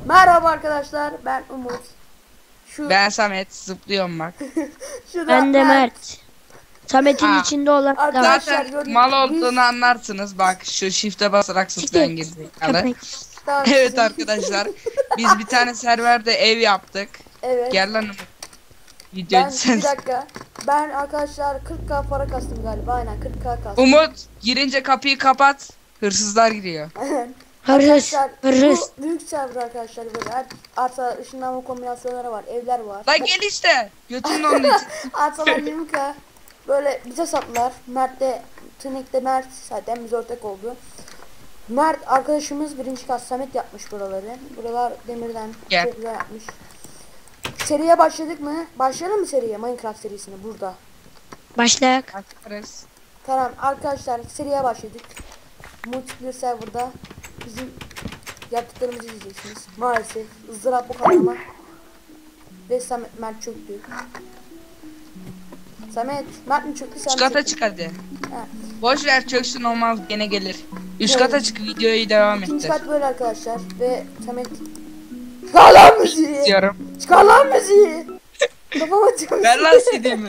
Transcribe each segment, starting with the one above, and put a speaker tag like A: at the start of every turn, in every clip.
A: Merhaba arkadaşlar, ben Umut.
B: Ben Samet, zıplıyorum bak.
C: Ben de Mert. Samet'in içinde olan
A: Arkadaşlar,
B: Zaten
A: gördüm.
B: mal olduğunu anlarsınız. Bak şu shift'e basarak zıplayan gerizekalı.
C: köpek.
A: Tamam,
B: Evet arkadaşlar. Biz bir tane serverde ev yaptık.
A: Evet.
B: Gel lan Umut. Video
A: Ben
B: sen.
A: bir dakika. Ben arkadaşlar 40k para kastım galiba. Aynen 40k kastım.
B: Umut girince kapıyı kapat. Hırsızlar giriyor.
C: Hırsız.
A: Arkadaşlar,
C: Hırsız.
A: bu büyük server arkadaşlar, böyle arsa ışınlanma kombinasyonları var, evler var.
B: Lan gel işte. Götünün onun için.
A: Arsalar 20k. Böyle bize sattılar. Mert'le Tırnik'te Mert zaten biz ortak oldu. Mert arkadaşımız birinci kat Samet yapmış buraları. Buralar demirden
B: Gel.
A: çok güzel yapmış. Seriye başladık mı? Başlayalım mı seriye? Minecraft serisine burada.
C: Başlayak.
B: Bakarız.
A: Tamam arkadaşlar, seriye başladık. Multiplayer serverda bizim yaptıklarımızı izleyeceksiniz. Maalesef ızdırap bu kadar ama. Ve Samet Mert çöktü. Samet Mert mi çöktü?
B: Üst kata çık hadi.
A: Ha.
B: Boş ver çöksün olmaz gene gelir. Üst kata çık videoyu devam
A: İkinci
B: ettir.
A: kat böyle arkadaşlar ve Samet çıkar lan müziği.
B: Diyorum.
A: Çıkar lan müziği. Kafama çıkmış.
B: Ver lan CD'mi.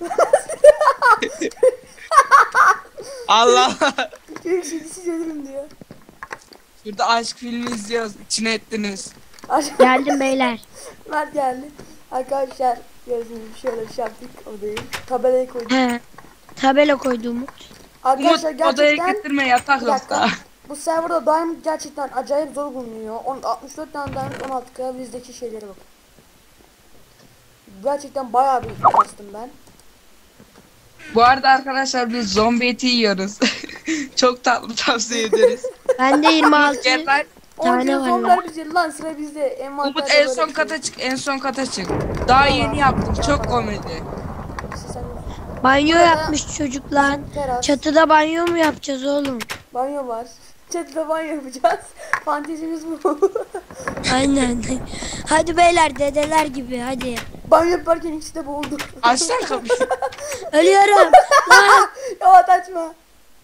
B: Allah.
A: Çocuk şimdi siz ölürüm diyor.
B: Şurada aşk filmi izliyoruz. İçine ettiniz.
A: Aşağı
C: Geldim beyler.
A: Mert geldi. Arkadaşlar gördüğünüz şöyle bir şey yaptık odayı. Tabelayı koyduk.
C: He. Tabela koydu Umut.
A: Arkadaşlar
B: Umut odaya
A: gerçekten
B: getirme yatak
A: bir dakika.
B: yoksa.
A: Bu serverda diamond gerçekten acayip zor bulunuyor. 64 tane diamond 16k bizdeki şeylere bak. Gerçekten bayağı bir bastım ben.
B: Bu arada arkadaşlar biz zombi eti yiyoruz. Çok tatlı, tavsiye ederiz.
C: Bende 26
B: Gel lan.
C: tane var lan.
A: Onlar bizde lan, sıra bizde. Envanterde
B: Umut en
A: böyle
B: son
A: bir
B: kata
A: şey.
B: çık, en son kata çık. Daha yeni yaptım, çok komedi.
A: İşte sen-
C: Banyo
A: Burada-
C: yapmış çocuklar.
A: Teras,
C: Çatıda banyo mu yapacağız oğlum?
A: banyo var. Çatıda banyo yapacağız. Fantezimiz bu.
C: Aynen. Hadi beyler dedeler gibi hadi.
A: Banyo yaparken ikisi de boğuldu.
B: Aç lan kapıyı.
C: Ölüyorum. Lan.
A: Yavaş açma.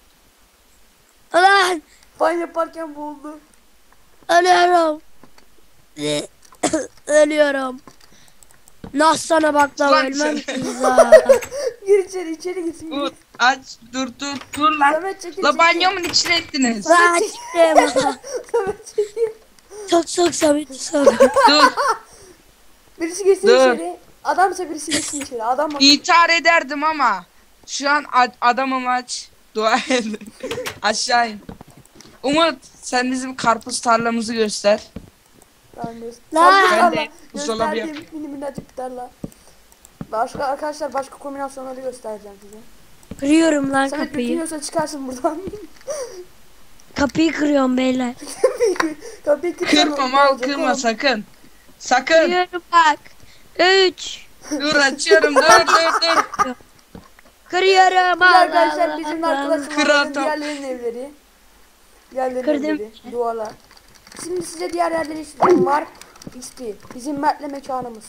C: Lan.
A: Banyo yaparken boğuldu.
C: Ölüyorum. Ölüyorum. Nasıl sana baklava
B: Lan
C: ölmem
B: sen.
C: ki ya.
A: Gir içeri gitsin.
B: Umut aç, dur lan.
A: Samet çekil.
B: La banyomun içine ettiniz.
C: Lan çıktım.
A: Samet çekil.
C: Sok Samet sok.
B: Dur.
A: Birisi geçsin
B: Dur.
A: içeri. Adamsa birisi geçsin içeri. Adam bak.
B: İntihar ederdim ama. Şu an adamım aç. Dua et. Aşağı in. Umut sen bizim karpuz tarlamızı göster.
C: Lan.
B: Ben de buzdolabı
A: Gösterdim. Mini minnacık bir tarla. Başka arkadaşlar, başka kombinasyonları göstereceğim size.
C: Kırıyorum lan
A: Samet
C: kapıyı.
A: bitmiyorsa çıkarsın buradan.
C: Kapıyı kırıyorum beyler.
A: Kapıyı kırsan
B: Kırma
A: ne
B: mal
A: olacak
B: kırma
A: oğlum?
B: sakın. Sakın.
C: Kırıyorum bak. 3.
B: Dur açıyorum dur.
C: Kırıyorum
A: Bu
C: Allah
A: arkadaşlar
C: Allah.
A: bizim
B: Kır
A: arkadaşımızın
B: atam.
A: diğerlerinin evleri. Diğerlerinin
C: Kırdım.
A: evleri. Duvarlar. Şimdi size diğer yerleri istiyorum. Var. İsti. Bizim Mert'le mekanımız.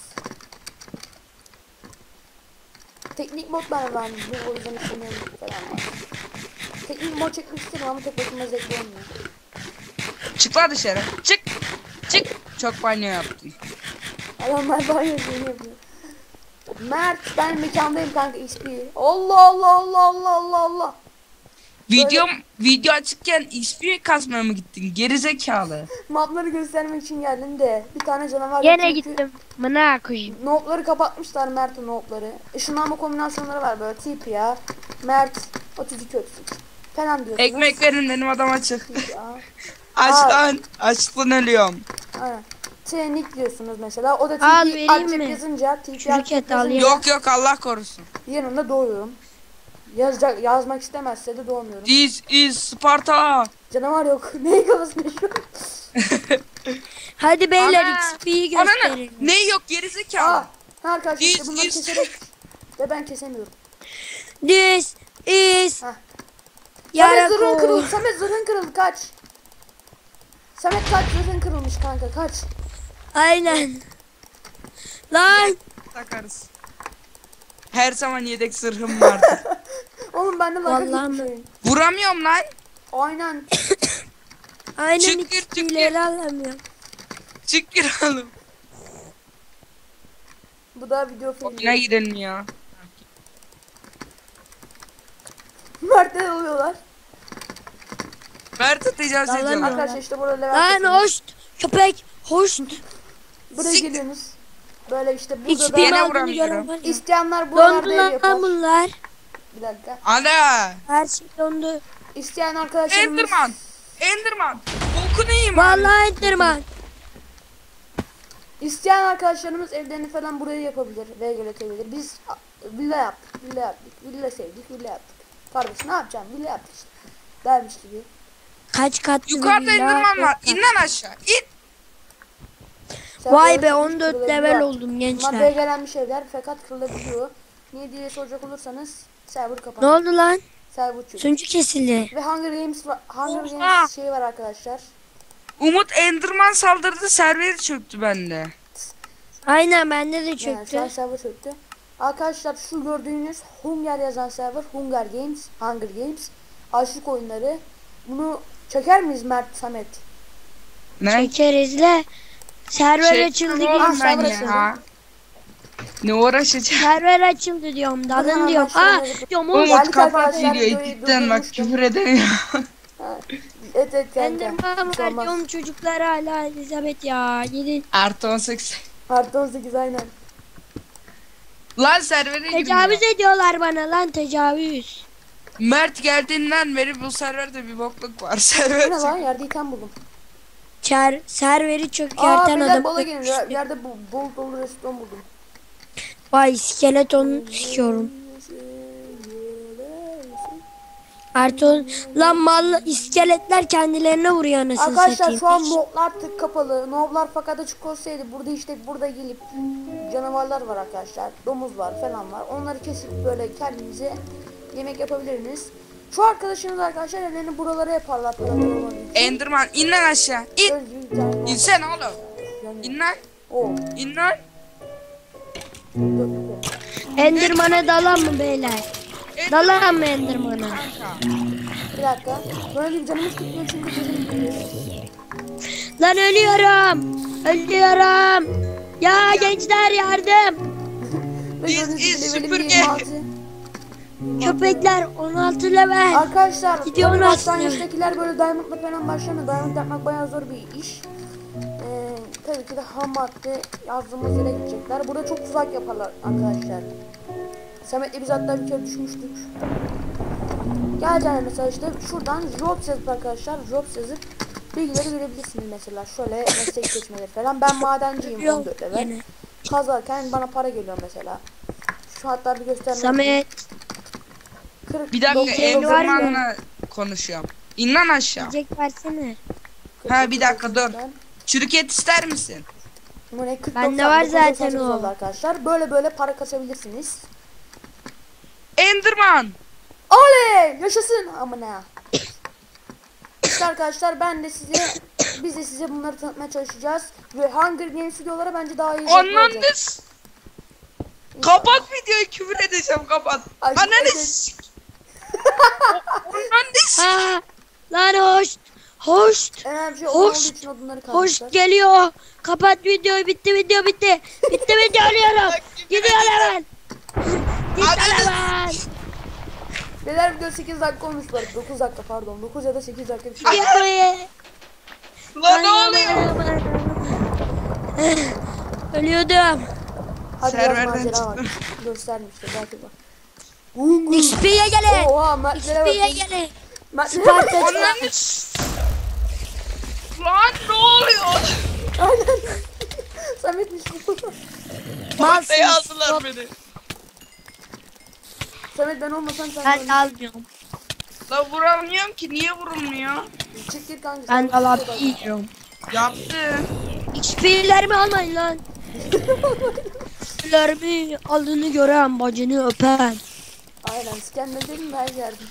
A: Teknik mod ben verdim. O yüzden istemiyorum falan var. Teknik mod çekmek istedim ama tek başıma zevkli olmuyor.
B: Çık lan dışarı. Çık. Çık. Çok banyo yaptım.
A: Adamlar banyo yapıyor. Mert, ben mekandayım kanka, XP. Allah Allah Allah Allah Allah Allah.
B: Video açıkken XP kasmaya mı gittin? Gerizekalı.
A: Mapları göstermek için geldim de bir tane canavar
C: Gene
A: yok çünkü
C: gittim. Mına koyayım.
A: Notları kapatmışlar, Mert'in notları. Işınlanma kombinasyonları var böyle, tip ya. Mert 32 öksüz falan diyorsunuz.
B: Ekmek verin benim adam açık.
A: Ya.
B: Aç
A: Al.
B: lan. Açlıktan ölüyorum.
A: Aynen. T-Nick diyorsunuz mesela. O da
C: Al,
A: TP
C: vereyim
A: Alçak
C: mi?
A: yazınca, TP
C: Çürük
A: Alçak
C: et al
A: yazınca
C: ya.
B: Yok Allah korusun.
A: yanında doğuyorum. Yazmak istemezse de doğmuyorum.
B: This is Sparta.
A: Canavar yok. Neyin kafasında şu?
C: Hadi beyler
B: Ana.
C: XP'yi
B: Ananı.
C: gösterin.
B: Ne yok gerizekalı.
A: Aa, arkadaşlar işte
B: This
A: bunları
B: is-
A: keserek ve ben kesemiyorum.
C: This is
A: Hah. Samet zırhın
C: Yarako.
A: kırıldı. Samet zırhın kırıldı. Kaç. Samet kaç, zırhın kırılmış kanka. Kaç.
C: Aynen. Lan.
B: Takarız. Her zaman yedek sırhım vardı.
A: Oğlum bende laka
C: Vallahi
A: gitmiş
C: mi?
A: oyun.
B: Vuramıyorum lan.
A: Aynen.
C: Aynen
B: Çıkır,
C: XP'leri alamıyorum.
B: Çık girelim.
A: Bu da video
B: Oyuna
A: filmi.
B: girelim ya.
A: Mert'e oluyorlar.
B: Mert'e tecavüz
C: Yalan
B: ediyorlar.
C: yok.
A: Arkadaşlar işte burada level
C: Lan
A: kasıyoruz.
C: hoş. Köpek. Hoş.
A: Buraya
B: Sik-
A: geliyorsunuz. Böyle işte burada
C: Hiçbir
A: da
B: Yine
C: aldığını
B: vuramıyorum.
C: gören var ya.
A: isteyenler
C: Dondu
A: buralarda ev yapar.
C: lan bunlar.
A: Bir dakika.
B: Ana.
C: Her şey dondu.
A: İsteyen arkadaşlarımız
B: Enderman. Enderman. Bokunu yiyeyim abi.
C: Vallahi Enderman.
A: İsteyen arkadaşlarımız evlerini falan buraya yapabilir ve geletebilir. Biz villa yaptık, villa yaptık, villa sevdik, villa yaptık. Kardeş ne yapacağım? Villa yaptık işte. Dermiş gibi.
C: Kaç katlı
B: Yukarıda
C: bir villa,
B: Enderman var.
C: dört kat.
B: İn lan aşağı. İn.
A: Sen
C: Vay
A: böyle
C: be
A: çok
C: 14
A: kırılabiliyor.
C: level oldum
A: Bunlar
C: gençler.
A: belgelenmiş evler fakat kırılabiliyor. Niye diye soracak olursanız server
C: Ne
A: kapandı.
C: oldu lan?
A: Server çöktü.
C: Sunucu kesildi.
A: Ve Hunger Games var. Hunger
B: Oha!
A: Games şeyi var arkadaşlar.
B: Umut Enderman saldırdı, serveri çöktü bende.
C: Aynen bende de
A: Yani şu an
C: çöktü.
A: server çöktü. Arkadaşlar şu gördüğünüz Hunger yazan server Hunger Games, Hunger Games. Açlık oyunları. Bunu çeker miyiz Mert, Samet?
B: Ne?
C: Çekeriz le. Server
B: Şey,
C: açıldı
B: oğlum
C: diyorum.
A: sen
B: ben
A: burası.
B: ya. Ne uğraşacağım?
C: Server açıldı diyorum. Dalın
A: Hemen
C: diyorum.
A: başlayalım.
C: Ha diyorum
B: Umut
C: oğlum.
A: Geldik
B: kapat
A: arkadaşlar,
B: videoyu
A: videoyu
B: cidden bak
A: durdurmuştum.
B: küfür edemiyorum.
A: Ha, evet kanka.
C: Enderman
A: Bir şey
C: var
A: olmaz.
C: diyorum çocuklar hala Elizabeth ya. Gidin.
B: Artı 18.
A: Artı 18 aynen.
B: Lan servere girmiyor.
C: Tecavüz ediyorlar bana lan tecavüz.
B: Mert geldiğinden beri bu serverde bir bokluk var.
A: Bu
B: Server
A: ne lan?
B: çöktü.
A: Yerde item buldum.
C: Serveri
A: Aa
C: çökerten
A: beyler
C: adam.
A: bala gelin. Yerde bol dolu restoran buldum.
C: Vay skeleton sikiyorum. Artı lan mal iskeletler kendilerine vuruyor anasını
A: Arkadaşlar
C: satayım.
A: şu an notlar tık kapalı. Noblar fakat açık olsaydı burada işte burada gelip canavarlar var arkadaşlar. Domuz var falan var. Onları kesip böyle kendinize yemek yapabilirsiniz. Şu arkadaşınız arkadaşlar ellerini buralara yaparlar.
B: Enderman in lan aşağı. İn. İnsene oğlum. İn lan.
A: O.
B: İn lan.
C: Enderman'a dalan mı beyler? Dalan mı Enderman'a?
B: Kanka.
A: Bir dakika. Böyle bir canımız tutmuyor çünkü bizim
C: Lan ölüyorum. Ölüyorum. Ya gençler yardım.
B: Biz süpürge.
C: Köpekler 16 level.
A: Arkadaşlar
C: Gidiyor
A: tabii
C: lan
A: başlangıçtakiler böyle diamondla falan başlamıyor. Diamond yapmak bayağı zor bir iş. Tabii ki de ham madde yazdığımız yere gidecekler. Burada çok tuzak yaparlar arkadaşlar. Samet'le biz hatta bir kere düşmüştük. Geleceğim mesela işte şuradan Jobs yazıp arkadaşlar Jobs yazıp bilgileri verebilirsiniz mesela. Şöyle meslek seçmeleri falan. Ben madenciyim
C: Yok
A: 14 level.
C: yine.
A: Kazarken bana para geliyor mesela. Şu hatta bir göstermek.
C: Samet
A: 40,
B: Bir dakika
A: 99
C: var mı?
B: Enderman'la konuşuyorum. İn lan aşağı.
C: yiyecek versene.
B: Ha, bir dakika, dur.
A: 99'dan.
B: Çürük et ister misin?
A: Bu ne? 40,
C: Bende
A: 90,
C: var
A: 9,
C: zaten
A: 98
C: o.
A: oldu arkadaşlar. Böyle para kasabilirsiniz.
B: Enderman.
A: Oley! Yaşasın amına. İşte arkadaşlar biz de size bunları tanıtmaya çalışacağız. Ve Hunger Games videoları bence daha iyi olacak.
B: Anladınız. Kapat videoyu, küfür edeceğim, kapat.
A: Ay,
B: Ananı
A: evet.
B: s**. Ananı s**.
C: Ha, lan hoş. Hoş.
A: Önemli bir şey
C: Hoş.
A: olduğu için odunları
C: Hoş
A: kazmışlar.
C: geliyor. Kapat videoyu. Bitti video bitti. Bitti video alıyorum. Gidiyor hemen. Git
B: Ananı-
C: hemen.
A: Beyler video 8 dakika olmuş bu arada. 9 dakika pardon. 9 ya da 8 dakika bir şey.
C: Gidiyor.
B: Lan ne oluyor?
C: Ölüyordum.
A: Hadi
B: Serverden
A: biraz macera var.
B: çıktım.
A: Göstermiştir belki bak.
C: XP'ye gelin.
A: Oha Mertlere
C: XP'ye
A: bakın.
C: gelin.
A: Mertlere
C: Sparta
A: bakın.
B: Ananı s**. Lan ne oluyor?
A: Aynen. Samet'miş bu.
B: Ortaya yazdılar beni.
A: Samet ben olmasam sen
C: Ben de almıyorum.
B: Lan vuramıyorum ki, niye vurulmuyor?
A: Çık git kanka.
C: Ben
A: sen
C: de laf
A: bir şey
C: yiyorum.
B: Yaptı.
C: XP'lerimi almayın lan. XP'lerimi aldığını gören bacını öpen.
A: Aynen skenledim her yerdim.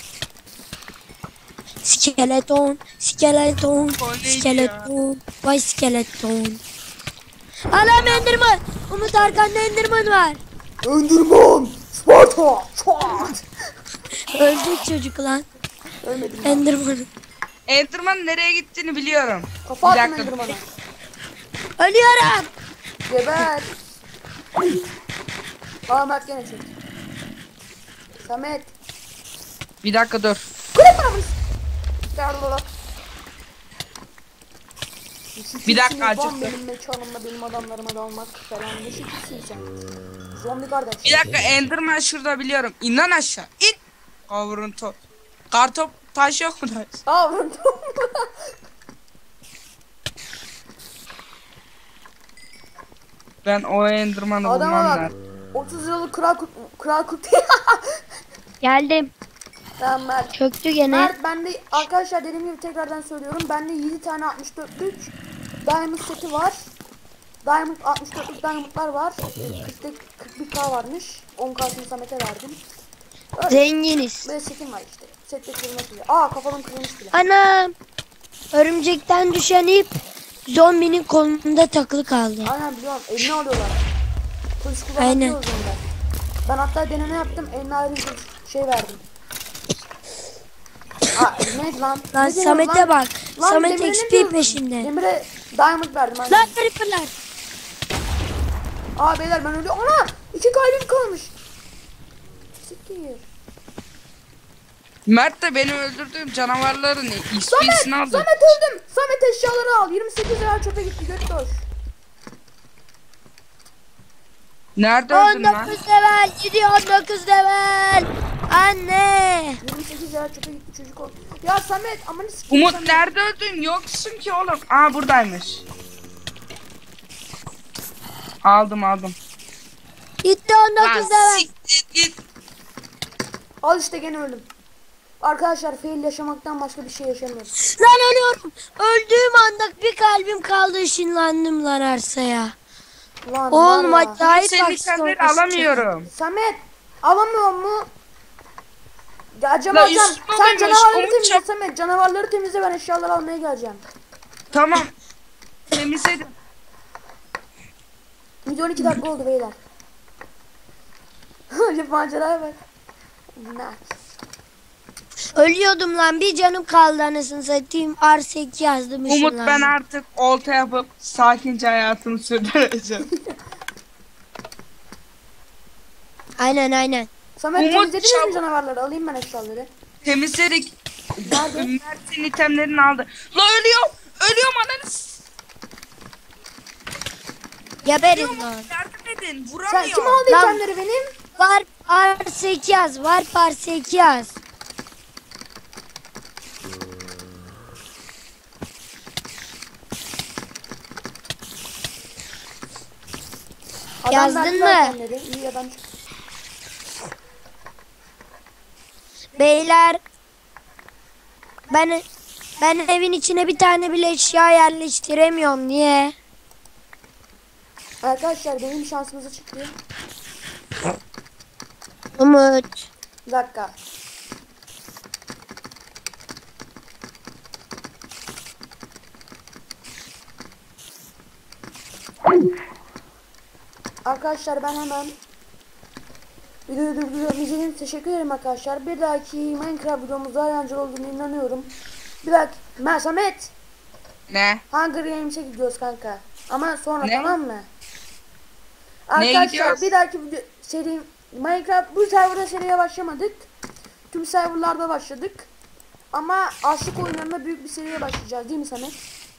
C: Skeleton, skeleton,
B: O neydi
C: skeleton, vay skeleton. Anam Enderman. Umut arkanda Enderman var.
A: Enderman! Sparta! Çat!
C: Öldü çocuk lan.
A: Ölmedim ben.
C: Enderman.
B: Enderman nereye gittiğini biliyorum.
A: Kafa
B: Bir
A: attım
B: dakika.
A: Enderman'a.
C: Ölüyorum.
A: Geber. Aa Mert gene çek. Samet.
B: Bir dakika dur.
A: Kule paramız. Yardılar.
B: Bir dakika, acıktı.
A: Benim mekanımda benim adamlarıma dalmak falan. Ne şekilsin sen? Zombi kardeş.
B: Bir dakika, Enderman şurada biliyorum. İn lan aşağı. İn. Kavurun top. Kartop taş yok mu taş?
A: Aa vurdum.
B: Ben o Enderman'ı
A: Adama
B: bulmam
A: bak.
B: lazım.
A: 30 liralık kral kurt.
C: Geldim.
A: Tamam Mert.
C: Çöktü gene.
A: Mert bende arkadaşlar dediğim gibi tekrardan söylüyorum. Bende 7 tane 64'lük diamond seti var. Diamond 64'lük diamondlar var. 41k varmış. 10k'sını Samet'e verdim. Öyle.
C: Zenginiz.
A: Böyle setim var işte. Sette kırılması bile. Aa kafalım kırılmış bile.
C: Anam. Örümcekten düşen ip zombinin kolunda takılı kaldı.
A: Aynen biliyorum. Eline alıyorlar. Kılıç
C: Aynen.
A: kullanıyoruz onlar. Ben hatta deneme yaptım. Eline ayrı bir şey verdim. Aa neydi lan?
C: Lan
A: Ne deniyor
C: Samet'e bak.
A: Lan
C: Samet
A: Demir'e ne
C: XP
A: diyorsun?
C: peşinde.
A: Demir'e diamond verdim. Aynen.
C: Lan creeper'lar.
A: Aa beyler ben ölüyorum. Ana! 2 kalbim kalmış. Siktir.
B: Mert de benim öldürdüğüm canavarların XP'sini aldı.
A: Samet öldüm. Samet eşyaları al. 28 lira çöpe gitti. Gökdoş.
B: Nerede öldün lan?
C: 19 level gidiyor 19 level. Anne.
A: 28 lira çöpe gitti çocuk oldu. Ya Samet aman siktir.
B: Umut
A: Samet.
B: nerede öldün? Yoksun ki oğlum. Aa buradaymış. Aldım.
C: Gitti 19
B: Lan
C: level.
B: siktir git.
A: Al işte gene öldüm. Arkadaşlar fail yaşamaktan başka bir şey yaşamıyoruz.
C: Lan ölüyorum. Öldüğüm anda bir kalbim kaldı, ışınlandım lan arsaya.
A: Lan
C: Oğlum
A: var ya.
C: acayip
B: Senin
C: bak.
B: itemleri alamıyorum.
A: Samet alamıyor mu? Ya acaba
B: La
A: hocam
B: üstüme
A: sen
B: koymuş,
A: canavarları
B: Umut
A: temizle
B: çap-
A: Samet. Canavarları temizle ben eşyaları almaya geleceğim.
B: Tamam. Temizledim.
A: Video 12 dakika oldu beyler. Hadi maceraya bak. Nice.
C: Ölüyordum lan, bir canım kaldı anasını satayım. R8 yazdım,
B: Umut
C: ışınlandım.
B: ben artık olta yapıp sakince hayatımı sürdüreceğim.
C: Aynen.
A: Samet
B: Umut
A: temizlediniz mi
B: çabuk.
A: canavarları? Alayım ben eşyaları.
B: Temizledik.
A: Nerede?
B: Mert'in itemlerini aldı. La ölüyorum ananız.
C: Geberin lan.
B: Yardım edin.
A: Sen
B: Vuramıyor.
A: kim aldı
C: Lan-
A: itemleri benim?
C: Var R8 yaz, var R8 yaz.
A: Adam
C: Yazdın
A: verdi
C: mı?
A: itemleri. İyi adam.
C: Beyler, ben evin içine bir tane bile eşya yerleştiremiyorum. Niye?
A: Arkadaşlar benim şansımıza çıktı.
C: Umut.
A: Bir dakika. Arkadaşlar ben hemen videoyu durduruyorum. İzlediğiniz için teşekkür ederim arkadaşlar. Bir dahaki Minecraft videomuzda eğlenceli olduğunu inanıyorum. Bir dahaki Samet
B: Ne?
A: Hunger Games'e gidiyoruz kanka. Ama sonra
B: Ne?
A: tamam mı?
B: Neye
A: Arkadaşlar
B: gidiyoruz?
A: bir dahaki video seri Minecraft bu serverda seriye başlamadık. Tüm serverlarda başladık. Ama açlık oyunlarında büyük bir seriye başlayacağız değil mi Samet?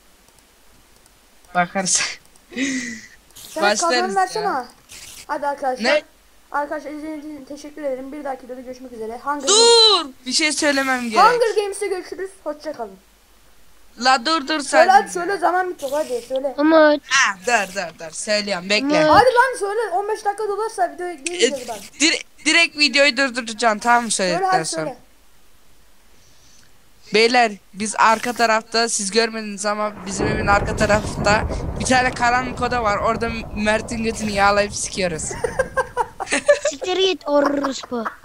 B: Bakarız.
A: Samet
B: Başlarız
A: kazanı versene.
B: ya.
A: Hadi arkadaşlar.
B: Ne?
A: Arkadaşlar izlediğiniz için teşekkür ederim. Bir dahaki videoda görüşmek üzere.
B: Dur. Bir şey söylemem gerek.
A: Hunger Games'te görüşürüz. Hoşça kalın.
B: La dur
A: Söyle
B: sen.
A: hadi söyle zaman bitiyor hadi söyle.
C: Umut.
B: Ha, dur. Söylüyorum bekle.
C: Ne?
A: Hadi lan söyle 15 dakika dolarsa videoya geleceğiz bak.
B: Direkt videoyu durduracaksın tamam mı
A: Söyle
B: söyledikten
A: hadi
B: sonra.
A: söyle.
B: Beyler biz arka tarafta siz görmediniz ama bizim evin arka tarafta bir tane karanlık oda var. Orada Mert'in götünü yağlayıp sikiyoruz.
C: Siktir git orospu.